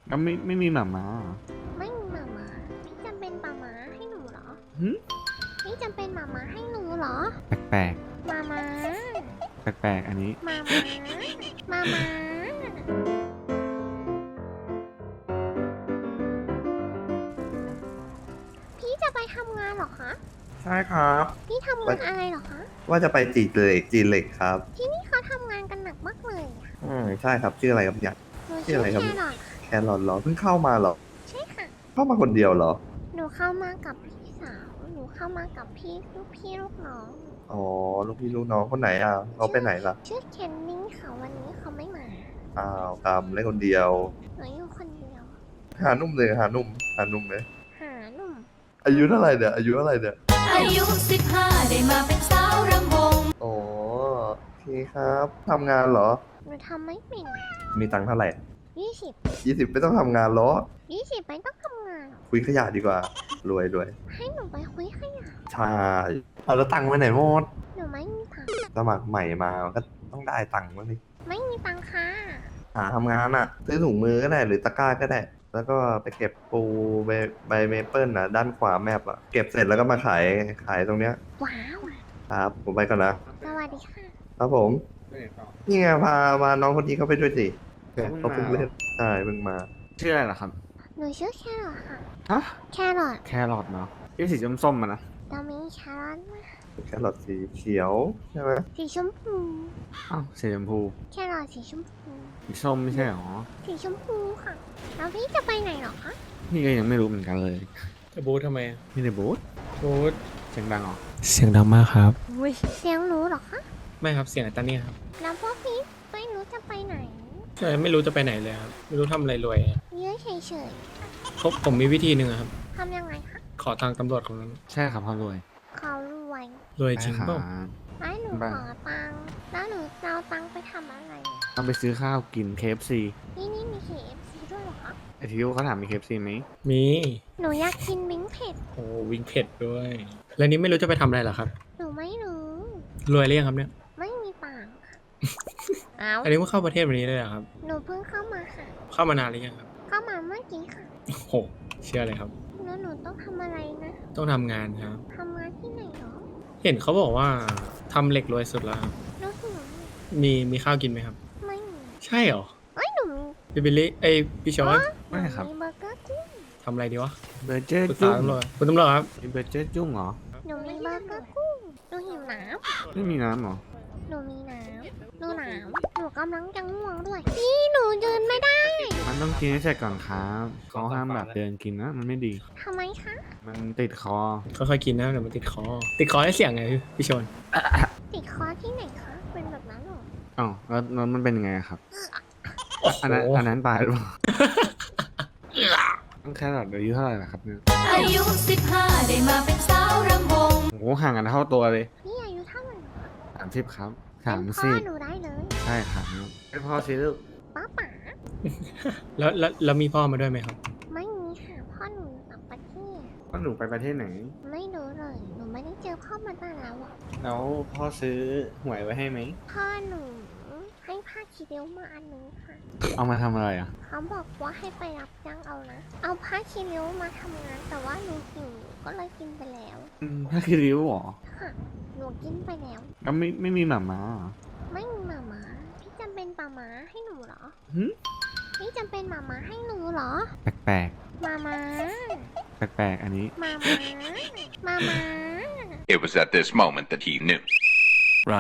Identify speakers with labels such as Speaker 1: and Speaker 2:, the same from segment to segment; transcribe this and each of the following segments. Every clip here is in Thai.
Speaker 1: ก็ไม่มีหมาม้า
Speaker 2: ไม่มีหมาม้าพี่จะเป็นหมาม้าให้หนูเหรอ
Speaker 1: หึ
Speaker 2: พี่จะเป็นหมาม้าให้หนูเหรอ
Speaker 1: แปลก
Speaker 2: หมาม้า
Speaker 1: แปลกอันนี้
Speaker 2: หมาม้าหมาม้าพี่จะไปทำงานเหรอคะ
Speaker 3: ใช่ครับ
Speaker 2: พี่ทำงานอะไรเหรอคะ
Speaker 3: ว่าจะไปจีเหล็กครับ
Speaker 2: ที่นี่เขาทำงานกันหนักมากเลยอะ
Speaker 3: ใช่ครับชื่ออะไรครับเนี่ย
Speaker 2: หนู
Speaker 3: ชื่
Speaker 2: ชื่
Speaker 3: อ
Speaker 2: อ
Speaker 3: อะไรครับ
Speaker 2: แครอท
Speaker 3: แครอทเหรอเพิ่งเข้ามาเหรอ
Speaker 2: ใช่ค่ะ
Speaker 3: เข้ามาคนเดียวเหรอ
Speaker 2: หนูเข้ามากับพี่สาวหนูเข้ามากับพี่ลูกน้อง
Speaker 3: อ๋อลูกพี่ลูกน้องคนไหนอ่ะเขาไปไหนล่ะ
Speaker 2: ชื่อเคนนี่ค่ะวันนี้เขาไม่มา
Speaker 3: อ้าวกำเล่นคนเดียว
Speaker 2: หนูอยู่คนเดียว
Speaker 3: หานุ่มเลยหานุ่มเลย
Speaker 2: หาหนุ่ม
Speaker 3: อายุเท่าไหร่เนี่ยอายุเท่าไหร่เนี่ย
Speaker 4: อายุ15ได้มาเป็นสาวรำวง
Speaker 3: อ๋อโอเคครับทำงานเหรอ
Speaker 2: หนูทำไม่เป็น
Speaker 3: มีตังค์เท่าไหร่
Speaker 2: 20
Speaker 3: ไม่ต้องทำงานเหรอ
Speaker 2: 20ไม่ต้องทำงานหรอก
Speaker 3: คุยขยะดีกว่ารวย
Speaker 2: ให้หนูไปคุยขยะ
Speaker 3: ใช่เอาแล้วตังค์ไปไหนหมด
Speaker 2: หนูไม่มีตังค์
Speaker 3: สมัครใหม่มาก็ต้องได้ตังค์บ้างดิ
Speaker 2: ไม่มีตังค์ค่ะ
Speaker 3: หาทำงานอ่ะซื้อถุงมือก็ได้หรือตะกร้าก็ได้ แล้วก็ไปเก็บปูใบเมเปิลนะด้านขวาแมปอ่ะเก็บเสร็จแล้วก็มาขายตรงเนี้ย
Speaker 2: ว้าว
Speaker 3: ครับผมไปก่อนนะ
Speaker 2: สวัสดีค่ะ
Speaker 3: ครับผมนี่ไงพาน้องคนนี้เข้าไปด้วยสิเขาเพิ่งเล่นใช่เพิ่งมา
Speaker 1: ชื่ออะไรเหรอครับ
Speaker 2: หนูชื่อแครอทค่ะ
Speaker 1: ฮะ
Speaker 2: แครอท
Speaker 1: แครอทเนาะที่สีส้มๆมันนะ
Speaker 2: เรามีแครอทไหม
Speaker 3: แครอทสีเขียวใช่ไหม
Speaker 2: สีชมพู
Speaker 1: อ้าวสีชมพู
Speaker 2: แครอทสีชมพู
Speaker 1: สีส้มไม่ใช่หรอ
Speaker 2: สีชมพูค่ะ แล้วพี่จะไปไหนเหรอคะ
Speaker 1: พี่ก็ยังไม่รู้เหมือนกันเลย
Speaker 5: จะบูททำไมอะ
Speaker 1: พี่ในบูธ
Speaker 5: บูท
Speaker 1: เสียงดังเหรอ
Speaker 5: เสียงดังมากครับ
Speaker 2: เสียงหนูเหรอคะ
Speaker 5: ไม่ครับเสียงไอ้ตาเนี่ยครับ
Speaker 2: แล้วพวกพี่ไม่รู้จะไปไหน
Speaker 5: ใช่ไม่รู้จะไปไหนเลยครับไม่รู้ทำอะไรรวยอะ
Speaker 2: เยอะเฉย
Speaker 5: ผมมีวิธีหนึ่งอะครับ
Speaker 2: ๆทำยังไงคะ
Speaker 5: ขอทางตำรวจคนนั้น
Speaker 1: ใช่ครับพ่อรวย
Speaker 2: เขารวย
Speaker 5: รวยจริง
Speaker 1: ใช่
Speaker 5: เปล่า
Speaker 1: ครับ
Speaker 2: ให้หนู
Speaker 1: บ้า
Speaker 2: ขอตังค์แล้วหนูจะเอาตังค์ไปทำอะไรอะ
Speaker 1: ต้องไปซื้อข้าวกิน KFC
Speaker 2: นี่มี KFC ด้วยเหรอคะ
Speaker 1: ไอทิวเขาถามมี KFC ไหม
Speaker 5: มี
Speaker 2: หนูอยากกินมิ้งเผ็ด
Speaker 5: โอ้วิ่งเผ็ดด้วย แล้วนี้ไม่รู้จะไปทำอะไรเหรอครับ
Speaker 2: หนูไม่รู้
Speaker 5: รวยหรือยังครับเนี่ย
Speaker 2: ไม่มีตังค์ค่ะเอา
Speaker 5: อันนี้เพิ่งเข้าประเทศวันนี้เลยเหรอครับ
Speaker 2: หนูเพิ่งเข้ามาค่ะ
Speaker 5: เข้ามานานหรือยังครับ
Speaker 2: เข้ามาเมื่อกี้ค่ะ
Speaker 5: โอ้โหเชื่อเลยครับ
Speaker 2: แล้วหนูต้องทำอะไรนะ
Speaker 5: ต้องทำงานครับ
Speaker 2: ทำงานที่ไหนเหรอ
Speaker 5: เห็นเขาบอกว่าทำเหล็กรวยสุดแล้วครับ
Speaker 2: หนูหิว
Speaker 5: มีข้าวกินไหมครับ
Speaker 2: ไม่มี
Speaker 5: ใช่เหรอ
Speaker 2: เอ้ยหนูมี
Speaker 5: พี่บิลลี่เอ้ยพี่ชอน
Speaker 1: ไม่ครับ
Speaker 2: มีเบอร์เกอร์กุ้ง
Speaker 5: ทำอะไรดีวะ
Speaker 1: เบอร์เจอร์
Speaker 5: ปรึกษา
Speaker 1: จุ้ง
Speaker 5: ตำรวจคุณตำรวจครับ
Speaker 1: มีเบอร์เจอร์จุ้งเหรอ
Speaker 2: หนูมีเบอร์เกอร์กุ้งหนูหิวน้
Speaker 1: ไม่มีน้ำเหรอ
Speaker 2: ำหนูมีน้ำหนูหนาวหนูกำลังจะง่วงด้วยพี่หนูยืนไม่ได้
Speaker 1: มันต้องกินให้เสร็จก่อนครับเขาห้ามแบบเดินกินนะ มันไม่ดี
Speaker 2: ทำไมคะ
Speaker 1: มันติดคอ
Speaker 5: ค่อยๆกินนะเดี๋ยวมันติดคอ ติดคอให้เสียงไงพี่ชน
Speaker 2: ติดคอที่ไหนคะ เป็นแบบนั้นเหรอ
Speaker 1: อ้าวแล้วมันเป็นยังไงอะครับ
Speaker 5: โอ้โห
Speaker 1: อันนั้นตายหรือเปล่า ต้องแครอทอายุเท่าไหร่ล่ะครับเนี่ย
Speaker 4: อายุ15ได้มาเป็นสาวรำวง
Speaker 1: โอ้โหห่างกันเท่าตัวเลย
Speaker 2: พี่อายุเท่าไหร่เหรอ
Speaker 1: 30ครับ
Speaker 2: เป็นพ่อ
Speaker 1: 30
Speaker 2: หนูได้เลย
Speaker 1: ใช่ครับเป็นพ่อสิลูก
Speaker 2: ป้าป๋า
Speaker 5: แล้วมีพ่อมาด้วยไหมครับ
Speaker 2: ไม่มีค่ะพ่อหนูอยู่ต่างประเทศ
Speaker 1: พ่อหนูไปประเทศไหน
Speaker 2: ไม่รู้เลย หนูไม่ได้เจอพ่อมานานแล้วอะ
Speaker 1: แล้วพ่อซื้อหวยไว้ให้ไหม
Speaker 2: พ่อหนูให้ผ้าคีริ้วมาอันนึงค่ะ
Speaker 1: เอามาทำอะไรอ่ะ
Speaker 2: เขาบอกว่าให้ไปรับจ้างเอานะ เอาผ้าคีริ้วมาทำงาน แต่ว่าหนูหิวก็เลยกินไปแล้ว
Speaker 1: ถ้าคือริ้วเหรอ
Speaker 2: ค่ะ หนูกินไปแล้ว
Speaker 1: ก็ไม่มีหมาม้าเหรอ
Speaker 2: ไม่มีหมาม้าพี่จำเป็นหมาม้าให้หนูเหรอ
Speaker 1: หึ
Speaker 2: พี่จำเป็นหมาม้าให้หนูเหรอ
Speaker 1: แปลก
Speaker 2: หมาม้า
Speaker 1: แปลกอันนี้
Speaker 2: หมาม้าหมาม้า
Speaker 6: It was at this moment that he knew.
Speaker 7: Run.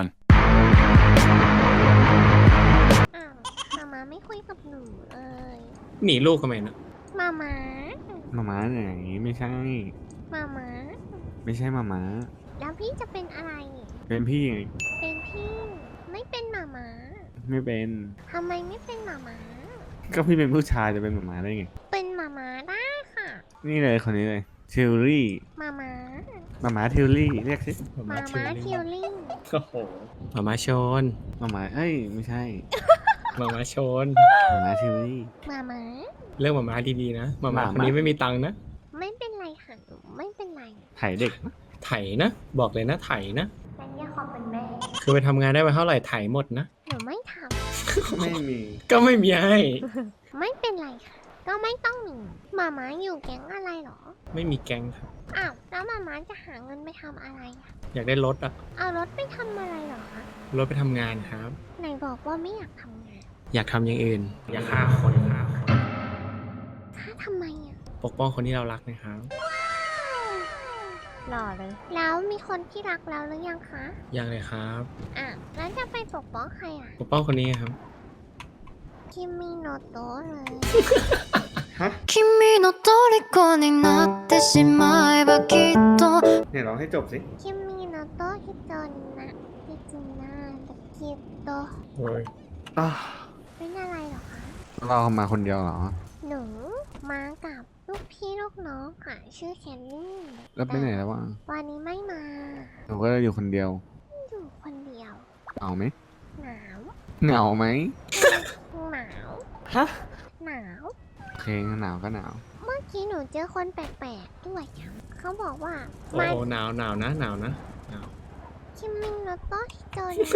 Speaker 2: อ้าวหมาม้าไม่คุยกับหนูเลย
Speaker 5: หนีลูกทำไมนะ
Speaker 2: หมาม้า
Speaker 1: หมาม้าไหนไม่ใช่
Speaker 2: หมาม้า
Speaker 1: ไม่ใช่หมาม้า
Speaker 2: แล้วพี่จะเป็นอะไร
Speaker 1: เป็นพี่ไง
Speaker 2: เป็นพี่ ไม่เป็นหมาม้า
Speaker 1: ไม่เป็น
Speaker 2: ทำไมไม่เป็นหมาม้า
Speaker 1: ก็พี่เป็นผู้ชายจะเป็นหมาม้าได้ไง
Speaker 2: เป็นหมาม้าได้ค่ะ
Speaker 1: นี่เลยคนนี้เลยทิวลี่
Speaker 2: หมาม้า
Speaker 1: หมาม้าทิวลี่เรียกสิ
Speaker 2: หมาม้าทิวลิง
Speaker 5: โอ้โหหมามาชน
Speaker 1: หมาม้าเอ้ยไม่ใช่
Speaker 5: หมามาชน
Speaker 1: หมาม้าทิวลี่
Speaker 2: หมาม้า
Speaker 5: เรื่องหมามาดีๆนะหมามา
Speaker 1: หมา
Speaker 5: คนนี้ไม่มีตังค์นะ
Speaker 2: ไม่เป็นไรค่ะหนูไม่เป็นไร
Speaker 1: ไถเด็กนะ
Speaker 5: ไถนะ บอกเลยนะไถนะ
Speaker 2: แต่เนี่ยขอเป็นแม่
Speaker 5: คือไปทำงานได้ไปเท่าไหร่ไถหมดนะ
Speaker 2: หนูไม่ท
Speaker 1: ไม่มี
Speaker 5: ก็ไม่มีให้
Speaker 2: ำ ไม่เป็นไรค่ะก็ไม่ต้องหนีหมาม้าอยู่แก๊งอะไรเหรอ
Speaker 5: ไม่มีแก๊งครับ
Speaker 2: อ้าวแล้วหมาม้าจะหาเงินไปทำอะไรอะ
Speaker 5: อยากได้รถอะ
Speaker 2: เอารถไปทำอะไรเหรอคะ
Speaker 5: รถไปทำงานครับ
Speaker 2: ไหนบอกว่าไม่อยากทำงาน
Speaker 5: อยากทำอย่างอื่น อยากฆ่าคนฆ่าคน
Speaker 2: ถ้าทำไมอะ
Speaker 5: ปกป้องคนที่เรารักนะครับ
Speaker 2: หล่อเลย แล้วมีคนที่รักแล้วหรือยังคะ
Speaker 5: ยังเลยครับ
Speaker 2: อ่ะแล้วจะไปปกป้องใครอ่ะ
Speaker 5: ปกป้องคนนี้ครับ
Speaker 2: คิมมิโนโตะเลย
Speaker 4: 君の虜になってしまえばきっと
Speaker 1: เนี่ยร้องให้จบสิ
Speaker 2: คิมมิโนโตะฮิโตนนะฮิจินาตะกิโตะ
Speaker 5: โอ้ย
Speaker 2: เป็นอะไรเหรอคะ
Speaker 1: เรามาคนเดียวเหรอ
Speaker 2: หนูมากับลูกพี่ลูกน้องค่ะ ชื่อแคนนี่
Speaker 1: แล้วไปไหนแล้ววะ
Speaker 2: วันนี้ไม่มา
Speaker 1: หนูก็อยู่คนเดียว
Speaker 2: อยู่คนเดียว
Speaker 1: เหงาไหม
Speaker 2: หนาว
Speaker 1: เหงาไหม
Speaker 2: หนาว
Speaker 5: ฮะ
Speaker 2: หนาว
Speaker 1: โอเคหนาวก็หนาว
Speaker 2: เมื่อกี้หนูเจอคนแปลกๆด้วยค่ะเขาบอกว่า
Speaker 5: โอ้
Speaker 2: มา
Speaker 5: โหหนาวหนาวนะหนาวนะหนาว
Speaker 2: คิมมิโนโตะฮิโตนนะ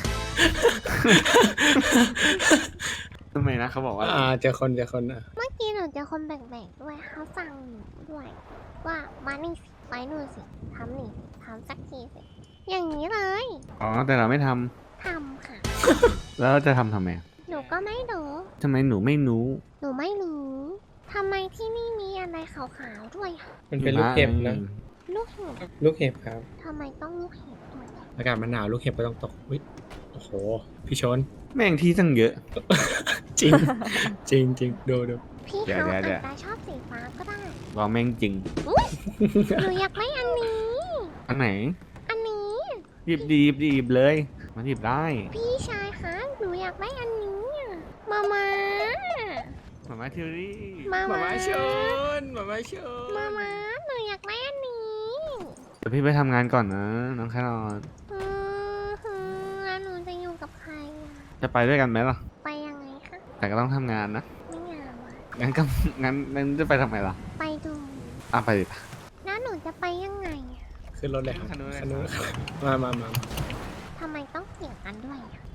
Speaker 1: ทำไมนะเขาบอกว่า
Speaker 5: เจอคนอ่ะ
Speaker 2: เมื่อกี้หนูเจอคนแปลกๆด้วยเขาสั่งหนูด้วย ว่ามานี่สิไปนู่นสิทำนี่สิทำสักทีสิอย่างนี้เลย
Speaker 1: อ๋อแต่เราไม่ทำ
Speaker 2: ทำค่ะ
Speaker 1: แล้วเราจะทำไมอะ
Speaker 2: หนูก็ไม่รู้
Speaker 1: ทำไมหนูไม่รู้
Speaker 2: หนูไม่รู้ทำไมที่นี่มีอะไรขาวๆด้วยอะ
Speaker 5: มันเป็นลูกเห็บนะ
Speaker 2: ลูกเห็บ
Speaker 5: ลูกเห็บครับ
Speaker 2: ทำไมต้องลูกเห็บด้วย
Speaker 5: อากาศมันหนาวลูกเห็บก็ต้องตกอุ๊ยโอ้โห พี่ชน
Speaker 1: แม่งที่ตั้งเยอะ
Speaker 5: จริง จริงดู
Speaker 2: พี่
Speaker 1: เดี๋ยว
Speaker 2: เขา
Speaker 1: เดี๋ยว
Speaker 2: อาจจะชอบสีฟ้าก็ได้
Speaker 1: เราแม่งจริง
Speaker 2: หนูอยากได้อันนี้
Speaker 1: อันไหน
Speaker 2: อันนี้
Speaker 1: หยิบหยิบเลย มันหยิบได้
Speaker 2: พี่ชายคะหนูอยากได้อันนี้อะมามา
Speaker 1: หมาทิวรี่
Speaker 2: มา
Speaker 5: หมา
Speaker 2: มา
Speaker 5: ม้าชนหมาม้าชน
Speaker 2: มามาหนูอยากได้อันนี้
Speaker 1: เดี๋ยวพี่ไปทำงานก่อนนะ น้องแครอท
Speaker 2: แล้วหนูจะอยู่กับใครอะ
Speaker 1: จะไปด้วยกันไหมล่ะ
Speaker 2: ไปยังไงคะ
Speaker 1: แต่ก็ต้องทำงานนะ
Speaker 2: ไม่งามอะ
Speaker 1: งั้นก็งั้นจะไปทำไมล่ะ
Speaker 2: ไปดู
Speaker 1: ไปดิ
Speaker 2: แล้วหนูจะไปยังไงอะ
Speaker 5: ขึ้นรถเลยครับ
Speaker 1: คันนู้นเลย
Speaker 5: คันนู้น
Speaker 1: ครับ
Speaker 5: มา
Speaker 2: ทำไมต้องเกี่ยงกันด้วยอะ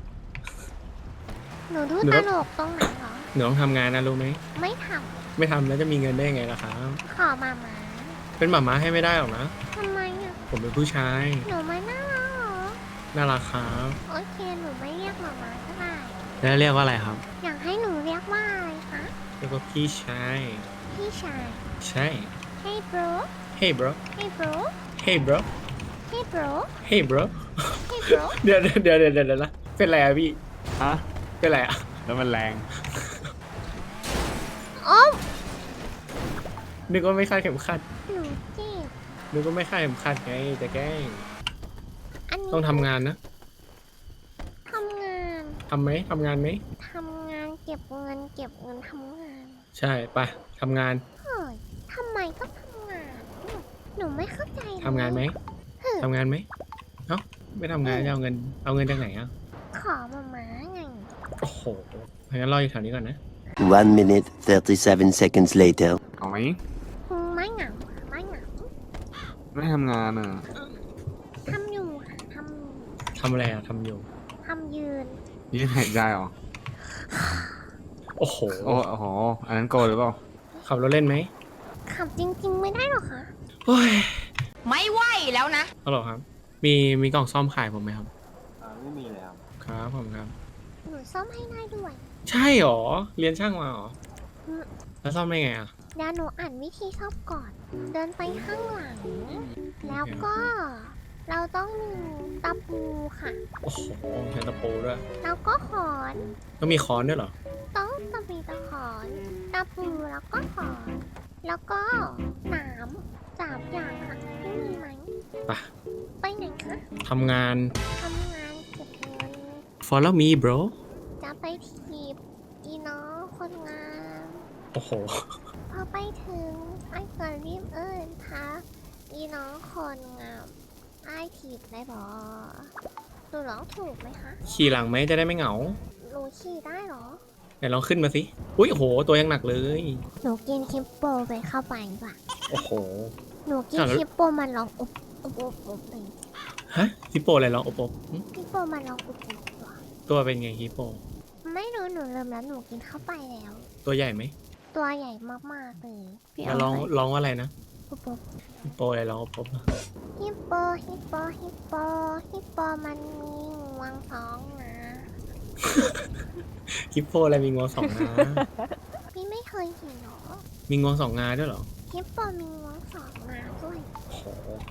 Speaker 2: หนูดูตลกตรงไหนเหรอ
Speaker 5: หนูต้องทำงานนะรู้ไหม
Speaker 2: ไม่ท
Speaker 5: ไม่ทำแล้วจะมีเงินได้ยังไงล่ะครับ
Speaker 2: ำขอมามา
Speaker 5: เป็นหมาม้าให้ไม่ได้หรอกนะ
Speaker 2: ทำไมอะ
Speaker 5: ผมเป็นผู้ชาย
Speaker 2: หนูไม่น่ารักเหรอ
Speaker 5: น่ารักครับ
Speaker 2: โอเคหนูไม่เรียกมามาก็ได้
Speaker 5: แล้วเรียกว่าอะไรครับ
Speaker 2: อยากให้หนูเรียกว่าอะไรคะ
Speaker 5: เรียกว่าพี่ชาย
Speaker 2: พี่ชาย
Speaker 5: ใช่
Speaker 2: Hey bro
Speaker 5: Hey bro
Speaker 2: Hey bro
Speaker 5: Hey bro
Speaker 2: Hey bro
Speaker 5: Hey bro
Speaker 2: Hey bro
Speaker 5: เดี๋ยวนะเป็นไรอะพี่
Speaker 1: ฮะ
Speaker 5: เป็นไรอะ
Speaker 1: แล้วมันแรง
Speaker 2: โอ้
Speaker 5: นึกว่าไม่คาดเข็มขัด
Speaker 2: หนูเจ็บ
Speaker 5: นึกว่าไม่คาดเข็มขัดไงจะแกล้ง
Speaker 2: อันนี้
Speaker 5: ต้องทำงานนะ
Speaker 2: ทำงาน
Speaker 5: ทำไหมทำงานไหม
Speaker 2: ทำงานเก็บเงินทำงาน
Speaker 5: ใช่ไปทำงาน
Speaker 2: เฮ้ยทำไมต้องทำงาน หนูไม่เข้าใจเลย
Speaker 5: ทำงานไหม
Speaker 2: เฮ้ย
Speaker 5: ทำงานไหมเอ้าไม่ทำงานจะเอาเงินจากไหนอ่ะ
Speaker 2: ขอมาม้าไง
Speaker 5: โอ้โหงั้นรออยู่แถวนี้ก่อนนะ
Speaker 7: 1 minute 37 seconds later.
Speaker 1: เอาไหม
Speaker 2: ไม่เหงาไม่เหงา
Speaker 1: ไม่ทำงานอ่ะ
Speaker 2: ทำอยู่ค่ะทำอยู่
Speaker 5: ทำอะไรอ่ะทำอยู่
Speaker 2: ทำยืน
Speaker 1: ยืนหายใจเหรอ
Speaker 5: โอ้โห
Speaker 1: โอ้โห อันนั้นโกหรือเปล่า
Speaker 5: ขับรถเล่นไหม
Speaker 2: ขับจริง ๆ ไม่ได้หรอคะ
Speaker 5: โอ้ย
Speaker 4: ไม่ไหวแล้วนะ
Speaker 5: ฮัลโหลครับ มีกล่องซ่อมขายผมไหมครับ
Speaker 1: ไม่มีเลยครับ
Speaker 5: ครับผมครับ
Speaker 2: หนูซ่อมให้ได้ด้วย
Speaker 5: ใช่หรอ เรียนช่างมาหรอ
Speaker 2: อืม
Speaker 5: แล้วซ่อมได้ไงอ่ะ
Speaker 2: เดี๋ยวหนูอ่านวิธีซ่อมก่อน เดินไปข้างหลัง แล้วก็เราต้องมีตะปูค่ะ
Speaker 5: โอ้โหใช้ตะปูด้วย
Speaker 2: แล้วก็ขอน
Speaker 5: ต้องมีค้อนด้วยเหรอ
Speaker 2: ต้องมีตะขอนตะปูแล้วก็ขอน แล้วก็หนาม3 อย่างค่ะที่มีไหม
Speaker 5: ไป
Speaker 2: ไปไหนคะ
Speaker 5: ทำงาน
Speaker 2: ทำงานเก็บเงิน
Speaker 5: follow me bro
Speaker 2: จะไปถีบอีน้องคนงาม
Speaker 5: โอ้โห
Speaker 2: พอไปถึงไอ้ก็รีบทักอีน้องคนงามไอ้ถีบได้บอหนูร้องถูกไหมคะ
Speaker 5: ขี่หลังไหมจะได้ไม่เหงา
Speaker 2: หนูขี่ได้เหรอ
Speaker 5: ไหนลองขึ้นมาสิ อุ้ยโอ้โห ตัวยังหนักเลย
Speaker 2: หนูกินคิปโปไปเข้าไปดีกว่า
Speaker 5: โอ้โห
Speaker 2: หนูกิน
Speaker 5: อ่ะแล้ว
Speaker 2: คิปโปมันร้องอุบเลย
Speaker 5: ฮะฮิปโปอะไรลองโอโปหึ
Speaker 2: คิปโปมันร้องอุบตัว
Speaker 5: ตัวเป็นไงฮิปโป
Speaker 2: ไม่รู้หนูเริ่มแล้วหนูกินเข้าไปแล้ว
Speaker 5: ตัวใหญ่ไหม
Speaker 2: ตัวใหญ่มากๆเลย
Speaker 8: พี่
Speaker 5: แล้ว
Speaker 8: เอา
Speaker 5: ร้องว่าอะไรนะ
Speaker 2: ปุ๊บปุ๊บ
Speaker 5: ฮิปโปอะไรร้องปุ๊บอะ
Speaker 2: ฮิปโปฮิปโปฮิปโปฮิปโปมันมีงวงสองนะ
Speaker 5: ฮิปโปอะไรมีงวงสองงา
Speaker 2: พี่ไม่เคยเห็นหรอ
Speaker 5: มีงวงสองงาด้วยเหรอ
Speaker 2: ฮิปโปมีงวงสองนะด้วย
Speaker 5: โอ้โห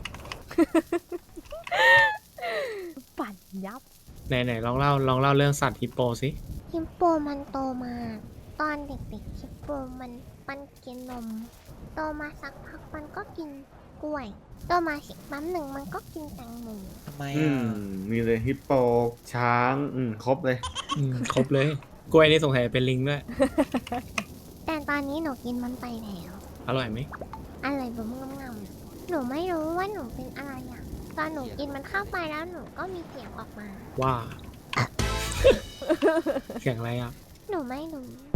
Speaker 8: ปั่นยับ
Speaker 5: ไหนลองเล่าเรื่องสัตว์ฮิปโปสิ
Speaker 2: ฮิปโปมันโตมา ตอนเด็กๆฮิปโปมันกินนม โตมาสักพักมันก็กินกล้วย โตมาสิแป๊บหนึ่งมันก็กินแตงโม
Speaker 9: ทำไม
Speaker 1: อื
Speaker 9: อ่ะ
Speaker 1: มมีเลยฮิปโป ช้าง ครบเลย
Speaker 5: ครบเลย กล้วยนี่สงสัยเป็นลิงด้วย
Speaker 2: แต่ตอนนี้หนูกินมันไปแล้ว
Speaker 5: อร่อยไหม
Speaker 2: อะไรแบบงำๆหนูไม่รู้ว่าหนูเป็นอะไรอ่ะ ตอนหนูกินมันเข้าไปแล้วหนูก็มีเสียงออกมา
Speaker 5: ว่า เสียงอะไรอ่ะ
Speaker 2: หนูไม่รู้